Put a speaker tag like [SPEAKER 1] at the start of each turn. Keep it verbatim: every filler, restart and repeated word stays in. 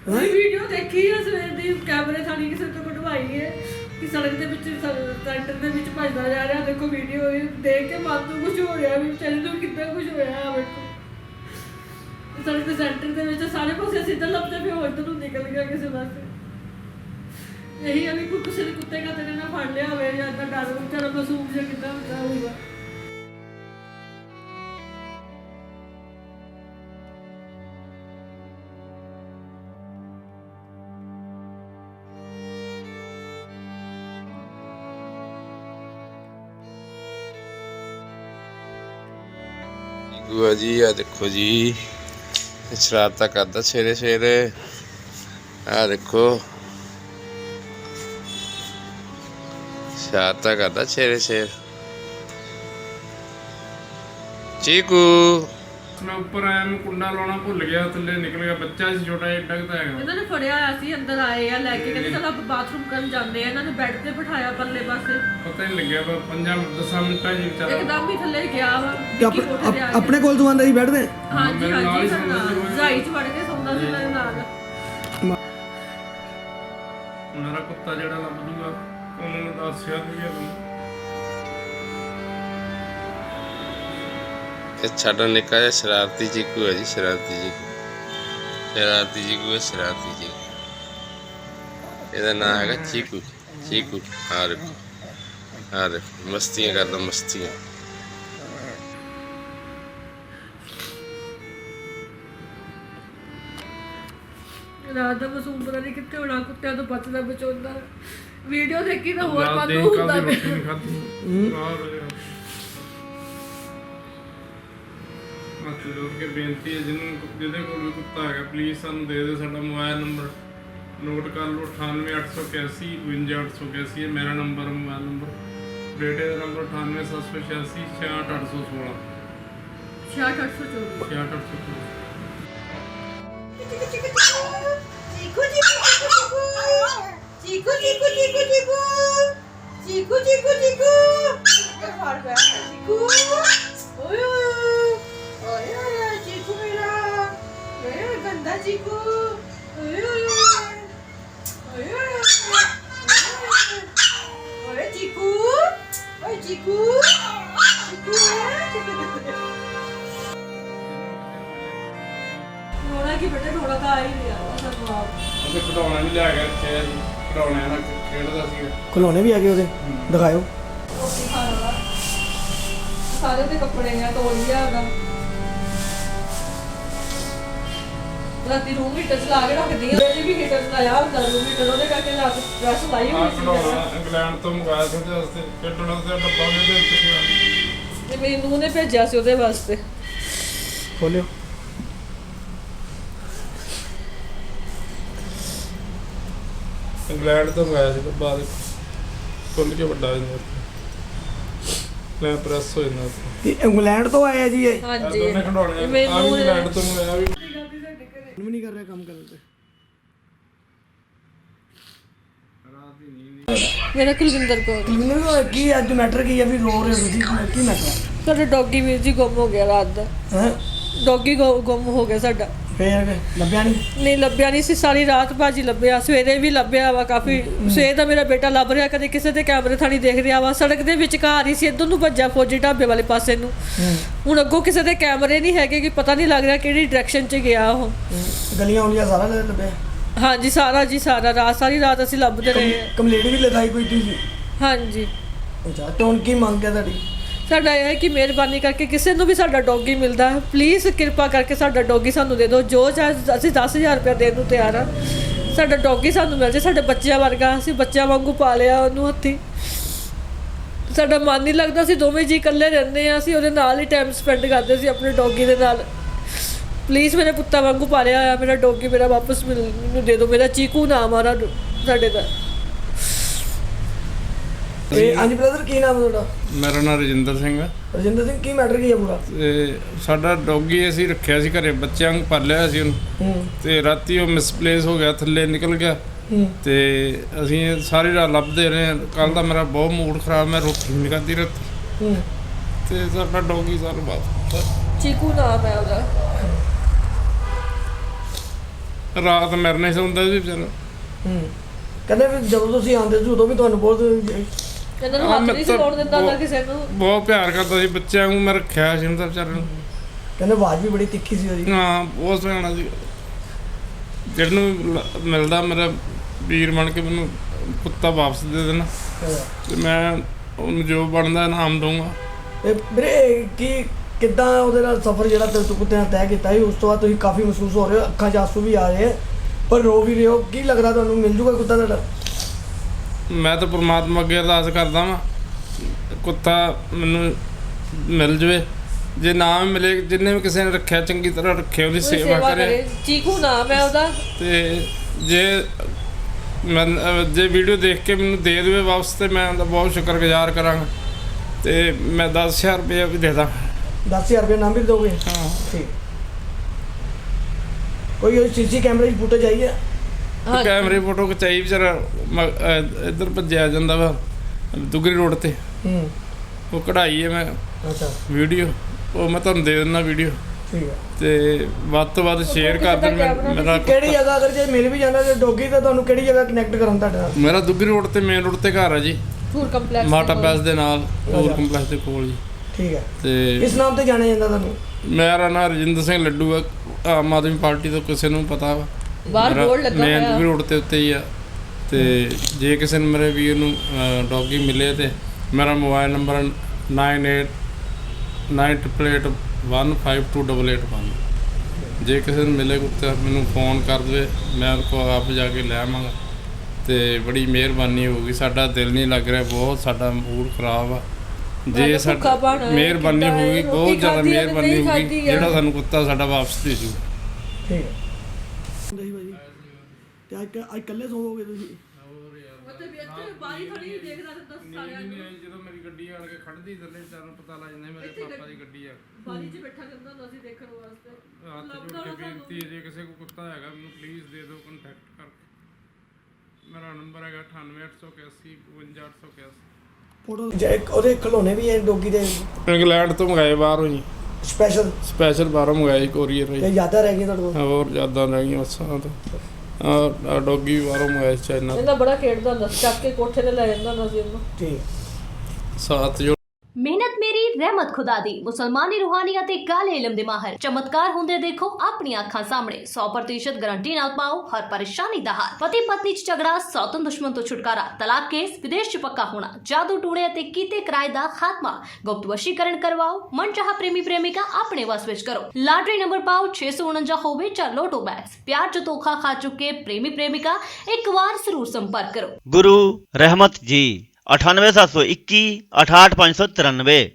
[SPEAKER 1] Video ਦੇਖੀ ਆ ਸਵੇਰ ਦੀ ਕੈਮਰੇ ਥਾਣੀ ਕਿਸੇ ਤੋਂ ਕਢਵਾਈ ਹੈ ਕਿ ਸੜਕ ਦੇ ਵਿੱਚ ਸੈਂਟਰ ਦੇ ਵਿੱਚ ਭੱਜਦਾ ਜਾ ਰਿਹਾ। ਦੇਖੋ ਵੀਡੀਓ ਦੇਖ ਕੇ ਮਨ ਨੂੰ ਕੁਝ ਹੋ ਰਿਹਾ ਵੀ ਵਿਚਾਰੇ ਨੂੰ ਕਿੰਨਾ ਕੁਝ ਹੋਇਆ। ਵੇਖੋ ਸੜਕ ਦੇ ਸੈਂਟਰ ਦੇ ਵਿੱਚ ਸਾਰੇ ਪਾਸੇ ਸਿੱਧਾ ਲੱਭਦੇ ਪਏ ਹੋ, ਇੱਧਰ ਨੂੰ ਨਿਕਲ ਗਿਆ ਕਿਸੇ ਪਾਸੇ। ਇਹੀ ਆ ਵੀ ਕੋਈ ਕਿਸੇ ਨੇ ਕੁੱਤੇ ਕਾਤੇ ਨੇ ਨਾ ਫੜ ਲਿਆ ਹੋਵੇ ਜਾਂ ਇੱਦਾਂ ਡਰ ਵਿਚਾਰਾ ਮਾਸੂਮ ਜਿਹਾ ਕਿੱਦਾਂ ਹੁੰਦਾ ਹੋਊਗਾ।
[SPEAKER 2] ਗੁਆ जी आ देखो जी शरारत करता सवेरे सवेरे। आ देखो शरारत करता सवेरे सवेरे। चीकू
[SPEAKER 3] मैं ऊपर आया, मैं कुंडा लाना भुल गया, थल्ले निकल गया। बच्चा सी छोटा एडा क हैगा।
[SPEAKER 1] ਇਹਨਾਂ ਨੇ ਫੜਿਆ ਹੋਇਆ ਸੀ, ਅੰਦਰ ਆਏ ਆ ਲੈ ਕੇ, ਕਹਿੰਦੇ ਚਲ ਆਪਾਂ ਬਾਥਰੂਮ ਕਰਨ ਜਾਂਦੇ ਆ। ਇਹਨਾਂ ਨੇ ਬੈੱਡ ਤੇ ਬਿਠਾਇਆ ਪਰਲੇ ਪਾਸੇ,
[SPEAKER 3] पता ही नहीं लग्या पंजा दस मिनट ही बेचारा
[SPEAKER 1] ਇੱਕਦਮ ਹੀ ਥੱਲੇ ਗਿਆ ਵਾ।
[SPEAKER 4] ਤੇ ਆਪ- ਆਪ- ਆਪਣੇ ਕੋਲ ਤੋਂ ਆਂਦਾ ਸੀ ਬੈਠਦੇ
[SPEAKER 1] ਹਾਂਜੀ ਹਾਂਜੀ ਰਜਾਈ ਚ ਵੜ ਕੇ ਸੌਂਦਾ ਸੀ ਮੇਰੇ ਨਾਲ।
[SPEAKER 3] मेरा कुत्ता जेड़ा लभ दूंगा उन्होंने दसिया भी है।
[SPEAKER 2] साडा निक्का जिहा शरारती चीकू है जी, शरारती चीकू शरारती चीकू है शरारती चीकू। ਇਹਦਾ ਨਾਮ ਹੈਗਾ ਚੀਕੂ। ਚੀਕੂ ਆ ਦੇਖੋ ਆ ਦੇਖੋ ਮਸਤੀਆਂ ਕਰਦਾ ਮਸਤੀਆਂ।
[SPEAKER 1] ਰਾਤ ਦਾ ਮਾਸੂਮ ਪਤਾ ਨਹੀਂ ਕਿੱਥੇ ਹੋਣਾ, ਕੁੱਤਿਆਂ ਤੋਂ ਬਚਦਾ ਬਚਾਉਂਦਾ। ਵੀਡੀਓ ਦੇਖੀ ਤਾਂ ਹੋਰ
[SPEAKER 3] रात
[SPEAKER 1] ਮਨ
[SPEAKER 3] देख
[SPEAKER 1] ਨੂੰ
[SPEAKER 3] का
[SPEAKER 1] ਹੁੰਦਾ
[SPEAKER 3] भी रोटी नहीं खाती। बाहर हो गया। हथ जोड़ के बेनती है जिन्होंने जिहदे कोल भी कुत्ता है प्लीज़ सानू दे दो। साडा मोबाइल नंबर नोट कर लो अठानवे अठ सौ इक्यासी बवंजा अठ सौ इक्यासी है मेरा नंबर, मोबाइल नंबर। बेटे का नंबर अठानवे सत्त सौ छियासी छियाठ अठ सौ सोलह
[SPEAKER 1] छियाठ अठ सौ चौबीस।
[SPEAKER 3] छियाठ अठ सौ सोलह।
[SPEAKER 5] चीकू चीकू चीकू चीकू चीकू चीकू चीकू चीकू फाड़ पे चीकू ओए ओए ओए चीकू मेरा मेरा गंदा चीकू ओए ओए ओए ओए चीकू ओए चीकू चीकू
[SPEAKER 1] ਰੋਣਾ ਕੀ ਬੇਟੇ, ਰੋਣਾ ਤਾਂ ਆ ਹੀ ਨਹੀਂ ਆ ਸਾਨੂੰ ਆਪ।
[SPEAKER 3] ਉਹਦੇ ਖਿਡੌਣਾ ਵੀ ਲੈ ਗਿਆ ਇੱਥੇ ਜੀ, ਖਿਡੌਣਿਆਂ ਨਾਲ ਖੇਡਦਾ ਸੀ।
[SPEAKER 4] ਖਿਲੌਣੇ ਵੀ ਆ ਗਏ ਉਹਦੇ, ਦਿਖਾਇਓ।
[SPEAKER 1] ਰੋਟੀ ਖਾਣ ਦਾ ਸਾਰੇ ਦੇ ਕੱਪੜੇ ਆ, ਤੋਲੀਆ ਹੈਗਾ। ਰਾਤੀ ਰੂਮ ਹੀਟਰ ਚਲਾ ਕੇ ਰੱਖਦੀ ਆ, ਜੇ ਵੀ ਹੀਟਰ ਚਲਾਇਆ ਹੁੰਦਾ ਰੂਮ ਹੀਟਰ, ਉਹਦੇ ਕਰਕੇ ਰਾਤ ਡਰੈਸ ਲਾਈ
[SPEAKER 3] ਆਹ
[SPEAKER 1] ਹੋਈ ਸੀ।
[SPEAKER 3] ਖਿਡੌਣਾ ਇੰਗਲੈਂਡ ਤੋਂ ਮੰਗਾਇਆ ਸੀ ਉਹਦੇ ਵਾਸਤੇ, ਖੇਡਣ ਵਾਸਤੇ ਡੱਬਾ ਵੀ ਉਹਦੇ ਵਿੱਚ ਸੀ।
[SPEAKER 1] ਤੇ ਮੇਰੀ ਨੂੰਹ ਨੇ ਭੇਜਿਆ ਸੀ ਉਹਦੇ ਵਾਸਤੇ।
[SPEAKER 4] ਖੋਲਿਓ।
[SPEAKER 3] ਇੰਗਲੈਂਡ ਤੋਂ ਮੰਗਾਇਆ ਸੀ ਡੱਬਾ, ਖੁੱਲ ਕੇ ਵੱਡਾ ਹੋ ਜਾਂਦਾ, ਲੈ ਪ੍ਰੈਸ ਹੋ ਜਾਂਦਾ।
[SPEAKER 4] ਇਹ ਇੰਗਲੈਂਡ ਤੋਂ ਆਇਆ ਜੀ ਇਹ?
[SPEAKER 1] ਹਾਂਜੀ
[SPEAKER 3] ਦੋਨੇ ਖਿਡੌਣੇ ਆ
[SPEAKER 1] ਮੇਰੀ
[SPEAKER 3] ਵੀ
[SPEAKER 1] ਨੂੰਹ ਨੇ
[SPEAKER 3] ਇੰਗਲੈਂਡ ਤੋਂ ਮੰਗਾਇਆ ਵੀ।
[SPEAKER 4] ਵੀ ਨਹੀਂ ਕਰ ਰਿਹਾ ਕੰਮ ਕਰਨ ਤੇ।
[SPEAKER 1] ਮੇਰਾ ਕੁਲਵਿੰਦਰ ਕੌਰ।
[SPEAKER 4] ਮੈਨੂੰ ਕੀ ਅੱਜ ਮੈਟਰ ਕੀ ਆ ਵੀ ਰੋ ਰਹੇ ਹੋ ਤੁਸੀਂ? ਕੀ ਮੈਟਰ
[SPEAKER 1] ਸਾਡਾ ਡੌਗੀ ਵੀਰ ਜੀ ਗੁੰਮ ਹੋ ਗਿਆ ਰਾਤ ਦਾ।
[SPEAKER 4] ਹੈ?
[SPEAKER 1] ਡੌਗੀ ਗੁੰਮ ਹੋ ਗਿਆ ਸਾਡਾ।
[SPEAKER 4] ਫੇਰ ਲੱਭਿਆ ਨਹੀਂ?
[SPEAKER 1] ਨਹੀਂ ਲੱਭਿਆ ਨਹੀਂ ਸੀ, ਸਾਰੀ ਰਾਤ ਭਾਜੀ ਲੱਭਿਆ, ਸਵੇਰੇ ਵੀ ਲੱਭਿਆ ਵਾ ਕਾਫੀ। ਸਵੇਰ ਦਾ ਮੇਰਾ ਬੇਟਾ ਲੱਭ ਰਿਹਾ, ਕਦੇ ਕਿਸੇ ਦੇ ਕੈਮਰੇ ਥਾਣੀ ਦੇਖ ਰਿਹਾ ਵਾ। ਸੜਕ ਦੇ ਵਿਚਕਾਰ ਹੀ ਸੀ, ਇੱਧਰ ਨੂੰ ਭੱਜਾ ਫੌਜੀ ਢਾਬੇ ਵਾਲੇ ਪਾਸੇ ਨੂੰ। ਹੁਣ ਅੱਗੋਂ ਕਿਸੇ ਦੇ ਕੈਮਰੇ ਨਹੀਂ ਹੈਗੇ ਕਿ ਪਤਾ ਨਹੀਂ ਲੱਗ ਰਿਹਾ ਕਿਹੜੀ ਡਾਇਰੈਕਸ਼ਨ 'ਚ ਗਿਆ ਉਹ।
[SPEAKER 4] ਗਲੀਆਂ ਉਲੀਆਂ ਸਾਰਾ ਲੱਭਿਆ?
[SPEAKER 1] ਹਾਂਜੀ ਸਾਰਾ ਜੀ ਸਾਰਾ, ਰਾਤ ਸਾਰੀ ਰਾਤ ਅਸੀਂ ਲੱਭਦੇ ਰਹੇ ਹਾਂ।
[SPEAKER 4] ਕੰਪਲੇਂਟ ਵੀ ਲਿਖਾਈ ਕੋਈ ਤੁਸੀਂ?
[SPEAKER 1] ਹਾਂਜੀ।
[SPEAKER 4] ਅੱਛਾ, ਤੇ ਹੁਣ ਕੀ ਮੰਗ ਹੈ ਤੁਹਾਡੀ?
[SPEAKER 1] ਸਾਡਾ ਇਹ ਹੈ ਕਿ ਮਿਹਰਬਾਨੀ ਕਰਕੇ ਕਿਸੇ ਨੂੰ ਵੀ ਸਾਡਾ ਡੌਗੀ ਮਿਲਦਾ ਹੈ, ਪਲੀਜ਼ ਕਿਰਪਾ ਕਰਕੇ ਸਾਡਾ ਡੌਗੀ ਸਾਨੂੰ ਦੇ ਦਿਓ। ਜੋ ਚਾਹੇ ਅਸੀਂ ਦਸ ਹਜ਼ਾਰ ਰੁਪਇਆ ਦੇਣ ਨੂੰ ਤਿਆਰ ਹਾਂ, ਸਾਡਾ ਡੌਗੀ ਸਾਨੂੰ ਮਿਲ ਜਾਏ। ਸਾਡੇ ਬੱਚਿਆਂ ਵਰਗਾ, ਅਸੀਂ ਬੱਚਿਆਂ ਵਾਂਗੂ ਪਾਲਿਆ ਉਹਨੂੰ ਹੱਥੀਂ। ਸਾਡਾ ਮਨ ਨਹੀਂ ਲੱਗਦਾ, ਅਸੀਂ ਦੋਵੇਂ ਜੀ ਇਕੱਲੇ ਰਹਿੰਦੇ ਹਾਂ, ਅਸੀਂ ਉਹਦੇ ਨਾਲ ਹੀ ਟਾਈਮ ਸਪੈਂਡ ਕਰਦੇ ਸੀ ਆਪਣੇ ਡੌਗੀ ਦੇ ਨਾਲ। ਪਲੀਜ਼ ਮੇਰੇ ਪੁੱਤਾਂ ਵਾਂਗੂ ਪਾਲਿਆ ਹੋਇਆ ਮੇਰਾ ਡੌਗੀ ਮੇਰਾ ਵਾਪਸ ਮਿਲ ਮੈਨੂੰ ਦੇ ਦਿਓ। ਮੇਰਾ ਚੀਕੂ ਨਾਮ ਆ ਰਾ ਸਾਡੇ ਦਾ।
[SPEAKER 4] ਇਹ ਹਾਂਜੀ ਬ੍ਰਦਰ, ਕੀ ਨਾਮ ਹੈ ਤੁਹਾਡਾ?
[SPEAKER 3] ਮੇਰਾ ਨਾਮ ਰਜਿੰਦਰ ਸਿੰਘ ਹੈ।
[SPEAKER 4] ਰਜਿੰਦਰ ਸਿੰਘ, ਕੀ ਮੈਟਰ ਕੀ ਹੈ ਪੂਰਾ?
[SPEAKER 3] ਤੇ ਸਾਡਾ ਡੌਗੀ ਅਸੀਂ ਰੱਖਿਆ ਸੀ ਘਰੇ, ਬੱਚਿਆਂ ਨੂੰ ਪਾਲਿਆ ਹੋਇਆ ਸੀ ਉਹਨੂੰ।
[SPEAKER 4] ਹੂੰ
[SPEAKER 3] ਤੇ ਰਾਤੀ ਉਹ ਮਿਸਪਲੇਸ ਹੋ ਗਿਆ, ਥੱਲੇ ਨਿਕਲ ਗਿਆ।
[SPEAKER 4] ਹੂੰ
[SPEAKER 3] ਤੇ ਅਸੀਂ ਸਾਰੀ ਰਾਤ ਲੱਭਦੇ ਰਹੇ। ਕੱਲ ਦਾ ਮੇਰਾ ਬਹੁਤ ਮੂਡ ਖਰਾਬ, ਮੈਂ ਰੋਟੀ ਨਹੀਂ ਖਾਧੀ ਰਾਤੀ।
[SPEAKER 4] ਹੂੰ
[SPEAKER 3] ਤੇ ਸਾਡਾ ਡੌਗੀ ਸਾਨੂੰ ਬਾਤ
[SPEAKER 1] ਚੀਕੂ ਨਾਮ ਹੈ ਉਹਦਾ।
[SPEAKER 3] ਰਾਤ ਮੇਰੇ ਨਾਲ ਹੀ ਸੌਂਦਾ ਸੀ ਵਿਚਾਰਾ।
[SPEAKER 4] ਹੂੰ ਕਹਿੰਦੇ ਵੀ ਜਦੋਂ ਤੁਸੀਂ ਆਉਂਦੇ ਸੀ ਉਦੋਂ ਵੀ ਤੁਹਾਨੂੰ ਬਹੁਤ
[SPEAKER 1] ਇਹਨਾਂ ਨੂੰ
[SPEAKER 3] ਹਾਂ,
[SPEAKER 1] ਹੱਥ
[SPEAKER 3] ਮੈਂ
[SPEAKER 1] ਨਹੀਂ ਸੀ
[SPEAKER 3] ਤਾਂ
[SPEAKER 1] ਲਾਉਣ ਦਿੰਦਾ ਹੁੰਦਾ
[SPEAKER 3] ਬਹੁਤ-
[SPEAKER 1] ਕਿਸੇ ਨੂੰ।
[SPEAKER 3] ਬਹੁਤ ਪਿਆਰ ਕਰਦਾ ਸੀ ਬੱਚਿਆਂ ਨੂੰ, ਮੈਂ ਰੱਖਿਆ ਸੀ ਉਹਦਾ ਵਿਚਾਰੇ ਨੂੰ।
[SPEAKER 4] ਕਹਿੰਦੇ ਆਵਾਜ਼ ਵੀ ਬੜੀ ਤਿੱਖੀ ਸੀ ਉਹਦੀ।
[SPEAKER 3] ਹਾਂ ਬਹੁਤ ਸਿਆਣਾ ਸੀ। ਜਿਹਨੂੰ ਲ- ਮਿਲਦਾ ਮੇਰਾ ਵੀਰ ਬਣ ਕੇ ਮੈਨੂੰ ਕੁੱਤਾ ਵਾਪਸ ਦੇ ਦੇਣਾ ਤੇ ਮੈਂ ਉਹਨੂੰ ਜੋ ਬਣਦਾ ਇਨਾਮ ਦਊਂਗਾ।
[SPEAKER 4] ਤੇ ਵੀਰੇ ਕੀ ਕਿੱਦਾਂ ਉਹਦੇ ਨਾਲ ਸਫ਼ਰ ਜਿਹੜਾ ਤੁਸੀਂ ਕੁੱਤੇ ਨਾਲ ਤੈਅ ਕੀਤਾ ਸੀ, ਉਸ ਤੋਂ ਬਾਅਦ ਤੁਸੀਂ ਕਾਫੀ ਮਹਿਸੂਸ ਹੋ ਰਹੇ ਹੋ, ਅੱਖਾਂ 'ਚ ਆਂਸੂ ਵੀ ਆ ਰਹੇ ਪਰ ਰੋ ਵੀ ਰਹੇ ਹੋ, ਕੀ ਲੱਗਦਾ ਤੁਹਾਨੂੰ ਮਿਲ ਜੂਗਾ ਕੁੱਤਾ ਤੁਹਾਡਾ?
[SPEAKER 3] ਮੈਂ ਤਾਂ ਪ੍ਰਮਾਤਮਾ ਅੱਗੇ ਅਰਦਾਸ ਕਰਦਾ ਵਾਂ ਕੁੱਤਾ ਮੈਨੂੰ ਮਿਲ ਜਵੇ, ਜੇ ਨਾ ਵੀ ਮਿਲੇ ਜਿੰਨੇ ਵੀ ਕਿਸੇ ਨੇ ਰੱਖਿਆ ਚੰਗੀ ਤਰ੍ਹਾਂ ਰੱਖੇ, ਉਹਦੀ
[SPEAKER 1] ਕੋਈ
[SPEAKER 3] ਸੇਵਾ ਕਰੇ।
[SPEAKER 1] ਚੀਕੂ ਨਾਮ ਹੈ ਉਹਦਾ।
[SPEAKER 3] ਤੇ ਜੇ ਮੈਂ ਅਹ ਜੇ ਵੀਡੀਓ ਦੇਖ ਕੇ ਮੈਨੂੰ ਦੇ ਦੇਵੇ ਵਾਪਸ ਤੇ ਮੈਂ ਉਹਦਾ ਬਹੁਤ ਸ਼ੁਕਰਗੁਜ਼ਾਰ ਕਰਾਂਗਾ ਤੇ ਮੈਂ ਦਸ ਹਜ਼ਾਰ ਰੁਪਏ ਵੀ ਦੇ ਦਾਂ।
[SPEAKER 4] ਦਸ ਹਜ਼ਾਰ ਰੁਪਏ ਨਾਮ ਵੀ ਦੋਗੇ?
[SPEAKER 3] ਹਾਂ
[SPEAKER 4] ਠੀਕ। ਕੋਈ ਸੀਸੀ ਕੈਮਰੇ ਦੀ ਫੁਟੇਜ ਆਈ ਹੈ?
[SPEAKER 1] ਹਾਂ
[SPEAKER 3] ਕੈਮਰੇ ਫੋਟੋ ਖਿਚਾਈ ਵਿਚਾਰਾ ਮ- ਅਹ ਇੱਧਰ ਭੱਜਿਆ ਜਾਂਦਾ ਵਾ ਦੁਗਰੀ ਰੋਡ ਤੇ,
[SPEAKER 4] ਹੂੰ
[SPEAKER 3] ਉਹ ਕਢਾਈ ਹੈ ਮੈਂ
[SPEAKER 4] ਅੱਛਾ
[SPEAKER 3] ਵੀਡੀਓ, ਉਹ ਮੈਂ ਤੁਹਾਨੂੰ ਦੇ ਦਿੰਦਾ ਵੀਡੀਓ
[SPEAKER 4] ਠੀਕ ਹੈ।
[SPEAKER 3] ਤੇ ਵੱਧ ਤੋਂ ਵੱਧ ਸ਼ੇਅਰ ਕਰ ਦੇਣ। ਮੈਂ- ਮੇਰਾ
[SPEAKER 4] ਕਿਹੜੀ ਜਗ੍ਹਾ ਅਗਰ ਜੇ ਮਿਲ ਵੀ ਜਾਂਦਾ ਤੇ ਡੋਗੀ ਤਾਂ ਤੁਹਾਨੂੰ ਕਿਹੜੀ ਜਗ੍ਹਾ ਕਨੈਕਟ ਕਰਾਂ ਤੁਹਾਡੇ ਨਾਲ?
[SPEAKER 3] ਮੇਰਾ ਦੁਗਰੀ ਰੋਡ ਤੇ ਮੇਨ ਰੋਡ ਤੇ ਘਰ ਆ ਜੀ,
[SPEAKER 1] ਟੂਰ ਕੰਪਲੈਕਸ
[SPEAKER 3] ਮਾਟਾ ਪੈਸ ਦੇ ਨਾਲ ਟੂਰ ਕੰਪਲੈਕਸ ਦੇ ਕੋਲ ਜੀ।
[SPEAKER 4] ਠੀਕ ਹੈ।
[SPEAKER 3] ਤੇ
[SPEAKER 4] ਕਿਸ ਨਾਮ ਤੇ ਜਾਣਿਆ ਜਾਂਦਾ ਤੁਹਾਨੂੰ?
[SPEAKER 3] ਮੇਰਾ ਨਾਂ ਰਜਿੰਦਰ ਸਿੰਘ ਲੱਡੂ ਆ, ਆਮ ਆਦਮੀ ਪਾਰਟੀ ਤੋਂ ਕਿਸੇ ਨੂੰ ਪਤਾ ਵਾ।
[SPEAKER 1] ਬਾਹਰ ਬੋਰਡ ਲੱਗਾ
[SPEAKER 3] ਮੇਨ
[SPEAKER 1] ਹੋਇਆ।
[SPEAKER 3] ਦੁਗਰੀ ਰੋਡ ਤੇ ਉੱਤੇ ਹੀ ਆ। ਤੇ ਜੇ ਕਿਸੇ ਨੂੰ ਮੇਰੇ ਵੀਰ ਨੂੰ ਡੌਗੀ ਮਿਲੇ ਤੇ ਮੇਰਾ mobile number nine eight nine triple eight one five two double eight one. ਜੇ ਕਿਸੇ ਨੂੰ ਮਿਲੇ ਕੁੱਤਾ ਮੈਨੂੰ ਫੋਨ ਕਰ ਦੇਵੇ, ਮੈਂ ਉਹਦੇ ਕੋਲ ਆਪ ਜਾ ਕੇ ਲੈ ਆਵਾਂਗਾ ਤੇ ਬੜੀ ਮਿਹਰਬਾਨੀ ਹੋਊਗੀ। ਸਾਡਾ ਦਿਲ ਨਹੀਂ ਲੱਗ ਰਿਹਾ, ਬਹੁਤ ਸਾਡਾ ਮੂਡ ਖਰਾਬ ਆ। ਜੇ
[SPEAKER 1] ਭੁੱਖਾ
[SPEAKER 3] ਸਾਡਾ
[SPEAKER 1] ਭਾਣਾ ਹੈ,
[SPEAKER 3] ਮਿਹਰਬਾਨੀ
[SPEAKER 1] ਕਿੱਦਾਂ ਹੈ,
[SPEAKER 3] ਹੋਊਗੀ,
[SPEAKER 1] ਰੋਟੀ
[SPEAKER 3] ਬਹੁਤ ਜ਼ਿਆਦਾ
[SPEAKER 1] ਖਾਧੀ ਹੈ,
[SPEAKER 3] ਮਿਹਰਬਾਨੀ
[SPEAKER 1] ਨਹੀਂ
[SPEAKER 3] ਹੋਊਗੀ,
[SPEAKER 1] ਖਾਧੀ ਹੈ।
[SPEAKER 3] ਜਿਹੜਾ ਸਾਨੂੰ ਕੁੱਤਾ ਸਾਡਾ ਵਾਪਸ ਦੇ ਜੂ।
[SPEAKER 4] ਠੀਕ ਹੈ। ਹੁੰਦੇ ਸੀ ਭਾਜੀ ਤੇ ਅੱਜ ਅੱਜ ਇਕੱਲੇ ਸੋਵੋਗੇ ਤੁਸੀਂ?
[SPEAKER 1] ਮਤਲਬ ਇੱਥੇ ਬਾਰੀ ਖੜੀ ਦੇਖਦਾ ਰਹਿੰਦਾ ਸਾਰਿਆਂ ਨੂੰ।
[SPEAKER 3] ਜਦੋਂ ਮੇਰੀ ਗੱਡੀ ਆਣ ਕੇ ਖੜਦੀ ਥੱਲੇ ਚਾਰਾਂ ਪਤਾ ਲੱਗ ਜਾਂਦਾ ਮੇਰੇ ਪਾਪਾ ਦੀ ਗੱਡੀ ਆ।
[SPEAKER 1] ਬਾਰੀ 'ਚ ਬੈਠਾ ਰਹਿੰਦਾ ਹੁੰਦਾ ਸੀ ਦੇਖਣ ਵਾਸਤੇ।
[SPEAKER 3] ਹੱਥ ਜੋੜ ਕੇ ਬੇਨਤੀ ਹੈ, ਜੇ ਕਿਸੇ ਕੋਲ ਕੁੱਤਾ ਹੈਗਾ ਮੈਨੂੰ ਪਲੀਜ਼ ਦੇ ਦਿਓ ਕੰਟੈਕਟ ਕਰਕੇ। ਮੇਰਾ ਨੰਬਰ ਹੈਗਾ ਅਠਾਨਵੇਂ ਅੱਠ ਸੌ ਇਕਾਸੀ ਬਵੰਜਾ ਅੱਠ ਸੌ ਇਕਾਸੀ।
[SPEAKER 4] ਫੋਟੋ ਜੇ ਉਹਦੇ ਖਿਡੌਣੇ ਵੀ ਹੈ ਡੋਗੀ ਦੇ
[SPEAKER 3] ਇੰਗਲੈਂਡ ਤੋਂ ਮੰਗਾਏ ਬਾਹਰੋਂ ਜੀ,
[SPEAKER 4] ਸਪੈਸ਼ਲ
[SPEAKER 3] ਸਪੈਸ਼ਲ ਬਾਹਰੋਂ ਮੰਗਾਏ ਕੋਰੀਅਰ
[SPEAKER 4] ਤੇ
[SPEAKER 3] ਰਾਹੀਂ।
[SPEAKER 4] ਜ਼ਿਆਦਾ ਰਹਿ ਗਈ ਤੁਹਾਡੇ ਕੋਲ?
[SPEAKER 3] ਹੋਰ ਜ਼ਿਆਦਾ ਰਹਿ ਗਈਆਂ ਬੱਸਾਂ ਤੋਂ। ਆ ਡੌਗੀ ਵੀ ਬਾਹਰੋਂ ਮੰਗਾਏ ਚਾਈਨਾ ਤੋਂ।
[SPEAKER 1] ਇਹਦਾ ਬੜਾ ਖੇਡਦਾ ਹੁੰਦਾ ਸੀ, ਚੱਕ ਕੇ ਕੋਠੇ ਤੇ ਲੈ ਜਾਂਦਾ ਹੁੰਦਾ ਸੀ ਇਹਨੂੰ।
[SPEAKER 4] ਠੀਕ।
[SPEAKER 3] ਸਾਥ ਜੋ
[SPEAKER 6] ਮਿਹਨਤ ਮੇਰੀ ਰਹਿਮਤ ਖੁਦਾ ਦੀ ਮੁਸਲਮਾਨੀ ਰੂਹਾਨੀਅਤ ਤੇ ਕਾਲੇ ਇਲਮ ਦੇ ਮਾਹਰ ਚਮਤਕਾਰ ਹੁੰਦੇ ਦੇਖੋ ਆਪਣੀਆਂ ਅੱਖਾਂ ਸਾਹਮਣੇ। ਸੌ ਪ੍ਰਤੀਸ਼ਤ ਗਾਰੰਟੀ ਨਾਲ ਪਾਓ ਹਰ ਪਰੇਸ਼ਾਨੀ ਦਾ ਹੱਲ। ਪਤੀ ਪਤਨੀ ਚ ਝਗੜਾ, ਸੌਤਨ ਦੁਸ਼ਮਣ ਤੋਂ ਛੁਟਕਾਰਾ, ਤਲਾਕ ਕੇਸ, ਵਿਦੇਸ਼ ਚ ਪੱਕਾ ਹੋਣਾ, ਜਾਦੂ ਟੂਣੇ ਅਤੇ ਕੀਤੇ ਕਿਰਾਏ ਦਾ ਖਾਤਮਾ, ਗੁਪਤ ਵਸ਼ੀਕਰਨ ਕਰਵਾਓ, ਮਨਚਾਹਾ ਪ੍ਰੇਮੀ ਪ੍ਰੇਮਿਕਾ ਆਪਣੇ ਵਸ ਵਿੱਚ ਕਰੋ। ਲਾਟਰੀ ਨੰਬਰ ਪਾਓ ਛੇ ਸੌ ਉਨੰਜਾ ਹੋਵੇ ਜਾਂ ਲੋਟੋ ਬੈਗਸ। ਪਿਆਰ ਚ ਧੋਖਾ ਖਾ ਚੁੱਕੇ ਪ੍ਰੇਮੀ ਪ੍ਰੇਮਿਕਾ ਇੱਕ ਵਾਰ ਜ਼ਰੂਰ ਸੰਪਰਕ ਕਰੋ।
[SPEAKER 7] गुरु रहमत जी अठानवे सात सौ इक्की अठाठ पाँच सौ तिरानवे।